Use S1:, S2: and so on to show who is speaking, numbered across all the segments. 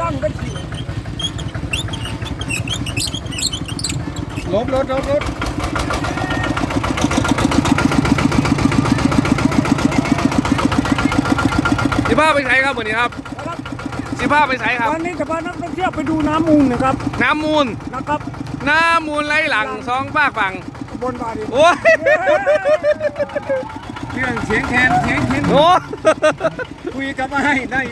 S1: ตั้งกัน
S2: ลบรถ
S3: สิภาพไปใช้ครับวันนี้ครับสิภาพไปใช้ครับ
S1: วันนี้จะพานักท่องเที่ยวไปดูน้ำมูลนะครับ
S3: น้ำมูล
S1: นะครับ
S3: น้ำมูลไหลหลังสองฝากฝั่ง
S1: บนบาดี
S3: โอ้ย
S2: เรื่องเสียงแคนเสียงเข็น
S3: โอ้
S2: คุยกับมาให้ได้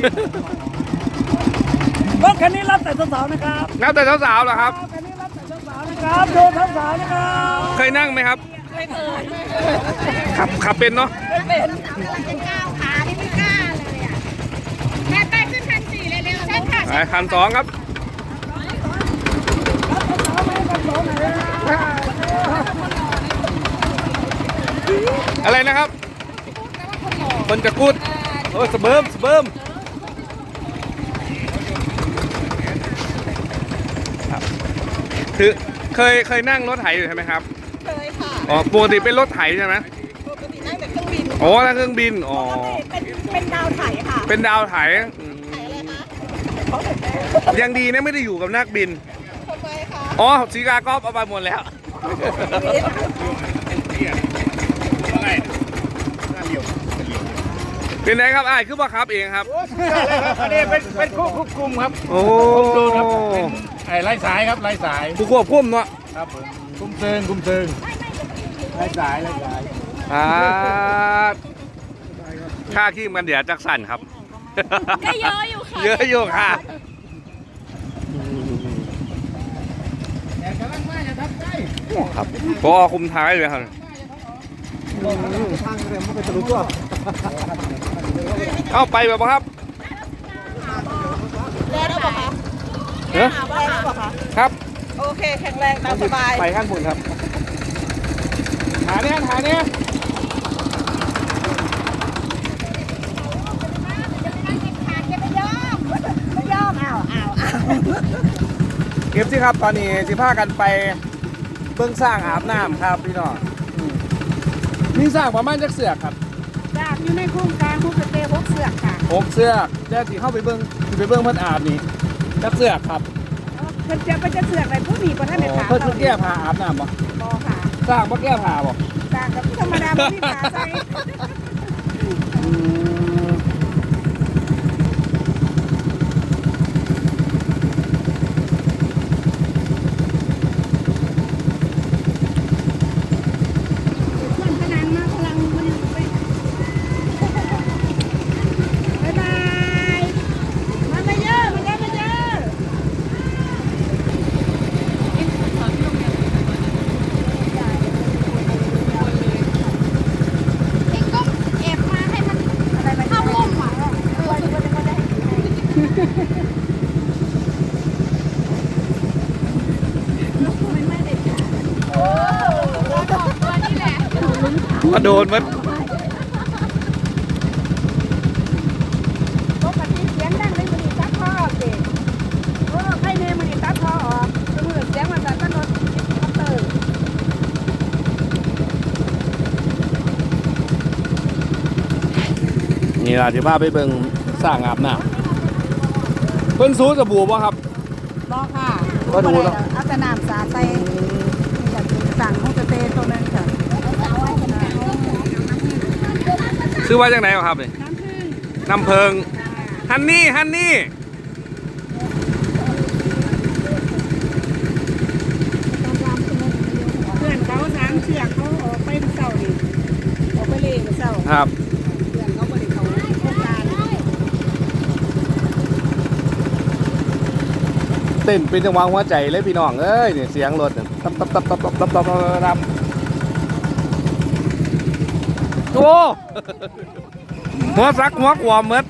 S1: รถคันนี้รับแต่สาวๆนะครับ
S3: นับแต่สาวๆเหรอครับ
S1: คันนี้รับแต่สาวๆนะครับดูสาวๆนะครับ
S3: เคยนั่งไหมครับ
S4: ไม่เคย
S3: ขับเป็นเนาะ
S4: ไม่เป็นกำลังจะก้าวขาที่ไม่กล้าเลยอ่ะแม่ไปขึ้นคัน4เร็วๆเช่นค่ะ
S3: คันสองครับอะไรนะครับคนจะกูดโอ้สเบิร์มคือเคยนั่งรถไถอยู่ใช่ไหมครับ
S4: เคยค่ะ
S3: อ๋อปกติเป็นรถไถใช่ไหม
S4: ปกตินั่งแต่เครื่องบิน
S3: อ๋อนั่งเครื่องบินอ๋อ
S4: เป็นดาวไถค่ะ
S3: เป็นดาวไถ
S4: ไถอะไรคะ
S3: ยังดีนะไม่ได้อยู่กับนักบิน
S4: ทำไมคะ
S3: อ๋อสีกากรอบเอาไปหมดแล้วเป็นไงครับคือว่าครับเองครับ
S2: อันนี้เป็นคู่ควบคุมครับ
S3: โอ้
S2: ดูครับเป็นไล่สายครับไล่สาย
S3: ผู้ควบคุมเนาะ
S2: ครับผมคุมเชิงไล่สาย
S3: ค่าขี้มันเดี๋ยวจักสั่นครับ
S4: ก็เยอะอยู่ค่ะ
S3: เยอะอยู่ค่ะครับพอคุมท้ายเลยครับ
S2: ทางเรือมันเป็นทะลุตัว
S3: เข้าไปแบบครับ
S4: แรงหรือเปล่าคะแรงหรือเปล่าคะ
S3: ครับ
S4: โอเคแข็งแรงตามสบาย
S3: ไปขั้นบนครับหาเนี้ยเก็บสิครับตอนนี้สิพากันไปเบื้องสร้างอาบน้ำครับพี่น้องมีสร้างประมาณจักเสือกครับ
S4: สร้างอยู่ในโครงการภูกระเต6เสือกค่ะ
S3: 6เสือกแล้วที่เข้าไปเบื้องเพิ่นอาบนี่จักเสือกครับ
S4: เพิ่นจะเสือกอะไรผู้นี้บ่ทันได้ถาม
S3: เพิ่นแก้ผ้าอาบน้ำบ่
S4: ค่ะ
S3: สร้างบ่แก้ผ้าบ่
S4: สร้างกับธรรมดาบ่มีผ้าใส่
S3: มาโดนมัน
S4: ปกติเสียงดังเลยมันตัดท่อสิใครเนี่ยมันตัดท่อออกจะมือเสียงมันตัดรถเตอร์
S3: นี่ล่ะที่พาไปเบิ่งสร้างอาบน้ำเพิ่นสูสบู่บ่ครับ
S4: บ่ค่ะ
S3: ก็ดูแล้ว
S4: เอาแต่น้ำสาดใส่จากสั่งของสเตย์ตรงนั้นค่ะ
S3: ซื้อไว้จากไหนครับนี่น้ำเพิงฮันนี่
S4: เพื่อนเขา3เชือกเขาออกไปเสาร์นี่ออกไปเล่นเสาร์
S3: ครับ
S4: เพื่อนเขาบริเขาโครงการ
S3: เต้นเป็นจังหวะหัวใจเลยพี่น้องเอ้ยเนี่ยเสียงรถตับโอ้หัวซักหัวขวามเมด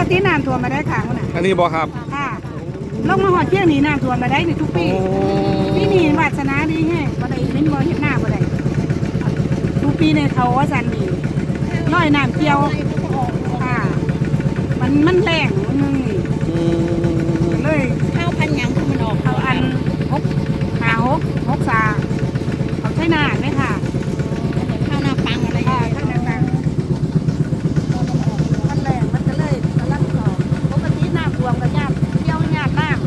S4: ติน้ำท่วมมาได้ค่ะน่ะ
S3: อันนี้บ่ครับ
S4: ค่ะลงมาหอดเที่ยงนี้น้ำท่วมมาได้ในทุกปีปีนี้วาสนาดีแฮะบ่ได้เห็นบ่เห็นหน้าบ่ได้ทุกปีในเขาว่าสันนี่ร้อยน้ำเกี่ยวค่ะมันแรงมันนึงนี่เลย
S5: ข้าวพันยังคือมันออก
S4: เขาอัน6 สาเขาใช้หน้าไหมค่ะ
S5: ข้าวหน้าปังอะไร
S4: ค่ะข้างในต่างมันแรงมันก็เลยกำลังออกปกติน้ำท่วมก็ยากเกี่ยวยากน้ำ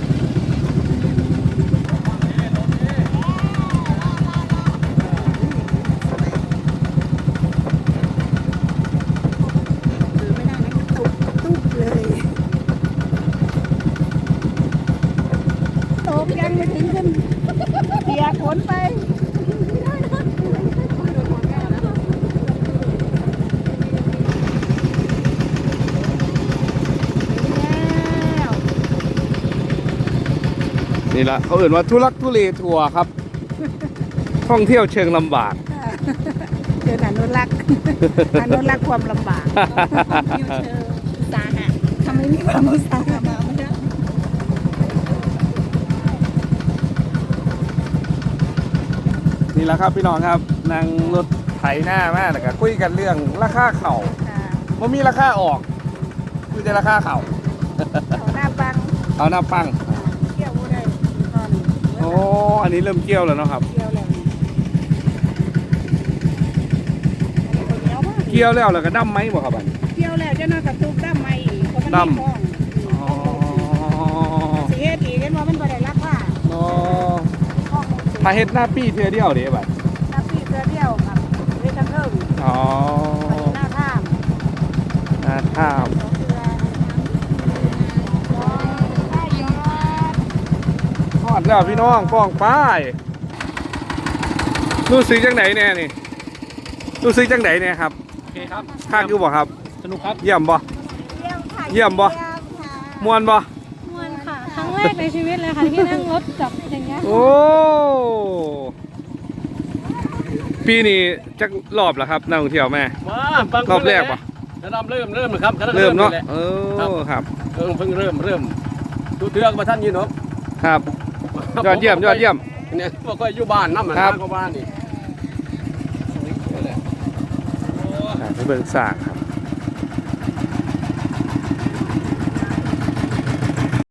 S5: ถือไม่ได้นะตุ๊บเลย
S4: ตกยังไม่ถึงขึ้นเปียกฝนไปแล้ว
S3: นี่ละเขาเอ่นว่าทุลักทุเลทัวร์ครับ ท่องเที่ยวเชิงลำบาก
S4: เดินอนุรักษ์อนุรักษ์ความลำบาก
S5: ยูเชอร์สาหะ
S4: ทำไมมีความอุตสาหะ
S5: มาไม่ได้
S3: นี่แหละครับพี่น้องครับนั่งรถไถหน้ามากแล้วก็คุยกันเรื่องราคาเข่าว่ามีราคาออกคุยแต่ราคาเข่า
S4: เขาหน้าบัง
S3: เอาหน้าปัง
S4: เกี่ยวบ่ได้ตอน
S3: โอ้อันนี้เริ่มเกี่ยวแล้วเนาะครับ
S4: เกี่ยวแล้วเกี่ยวมาก
S3: เกี่ยวแล้วแล้วก็ดั้มไหมบ่ครับอัน
S4: เกี่ยวแล้วเจ้าน้อยกับตุกด้ามใหม่อีกเพราะมัน
S3: ด้ำ
S4: มีคล้อง
S3: อ๋อ
S4: สิเฮ็ดอีกเห็นว่ามันบ่ได้ราคา
S3: อ๋อ
S4: คล้อง
S3: ถ้าเฮ็ดหน้าปี้เทื่อเดียวเด้บัด
S4: น้ำปีเกลือเดียวครับเฮ็ดทั้งเทิง
S3: อ๋อ
S4: หน้าข้าม
S3: หน้าท่าม
S4: สองเกลือได้ยอด
S3: ทอดแล้วพี่น้องป้องป้ายรู้สึกจังไหนแน่นี่รู้สึกจังไหนเนี่ยครับ
S2: โอเคครับ
S3: คักอยู่บ่ครับ
S2: สนุกครับ
S3: เยี่ยมบ่
S5: เยี่ยมค่ะ
S3: เยี่ยมบ่ ม่วนบ่
S5: มวนค่ะครั้งแรกในชีวิตเลยค่ะที่นั่งรถจับอย่างเงี้ย
S3: โอ้ปีนี้จักรอบแล้วครับนักท่องเที่ยวแม่
S2: มาปัง
S3: รอบแรกปะ
S2: จะเริ่มนะครับ
S3: เริ่มเนาะ
S2: แหล
S3: เออครับ
S2: เพิ่งเริ่มดูเทือกมาท่านยืนเนาะ
S3: ครับยอดเยี่ยมยอดเยี่ยม
S2: เนี่ยพวกก็อยู่บ้านน้ำมัน
S3: ครับ
S2: ก็บ้านนี่
S3: ไปเบิ่งสร้างครับ